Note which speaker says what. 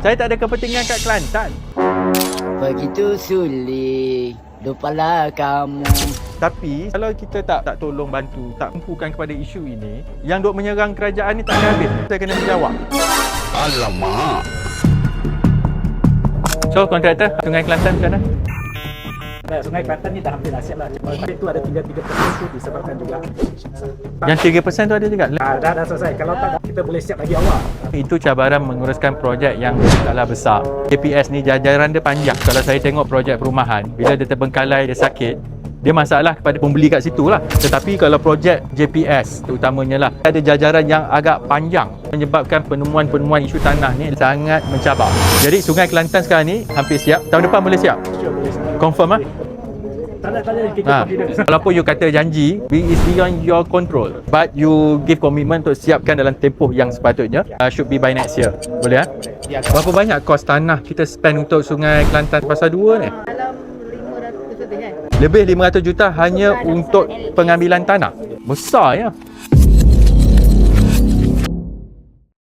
Speaker 1: Saya tak ada kepentingan kat Kelantan.
Speaker 2: Begitu sulit. Lupalah kamu.
Speaker 1: Tapi kalau kita tak tolong bantu, tak empukan kepada isu ini, yang duk menyerang kerajaan ni tak ada habis. Saya kena menjawab.
Speaker 3: Alamak.
Speaker 1: So kontraktor Sungai Kelantan macam mana?
Speaker 4: Sungai Kelantan ni dah hampir dah siap lah. Cuma itu ada 3% tu disebabkan juga.
Speaker 1: Yang 3% tu ada juga.
Speaker 4: Dah selesai. Kalau tak, kita boleh siap lagi awal.
Speaker 1: Itu cabaran menguruskan projek yang skala besar. JPS ni jajaran dia panjang. Kalau saya tengok projek perumahan, bila dia terbengkalai, dia sakit, dia masalah kepada pembeli kat situ lah. Tetapi kalau projek JPS terutamanya lah, ada jajaran yang agak panjang, menyebabkan penemuan-penemuan isu tanah ni sangat mencabar. Jadi Sungai Kelantan sekarang ni hampir siap. Tahun depan boleh siap? Confirm lah?
Speaker 4: Tanda-tanda kita confidence.
Speaker 1: Walaupun you kata janji, is beyond your control, but you give commitment untuk siapkan dalam tempoh yang sepatutnya. Should be by next year. Boleh Berapa banyak kos tanah kita spend untuk Sungai Kelantan Fasa 2 ni?
Speaker 5: Dalam 500 lebih kan?
Speaker 1: Lebih 500 juta hanya untuk pengambilan tanah. Besar ya.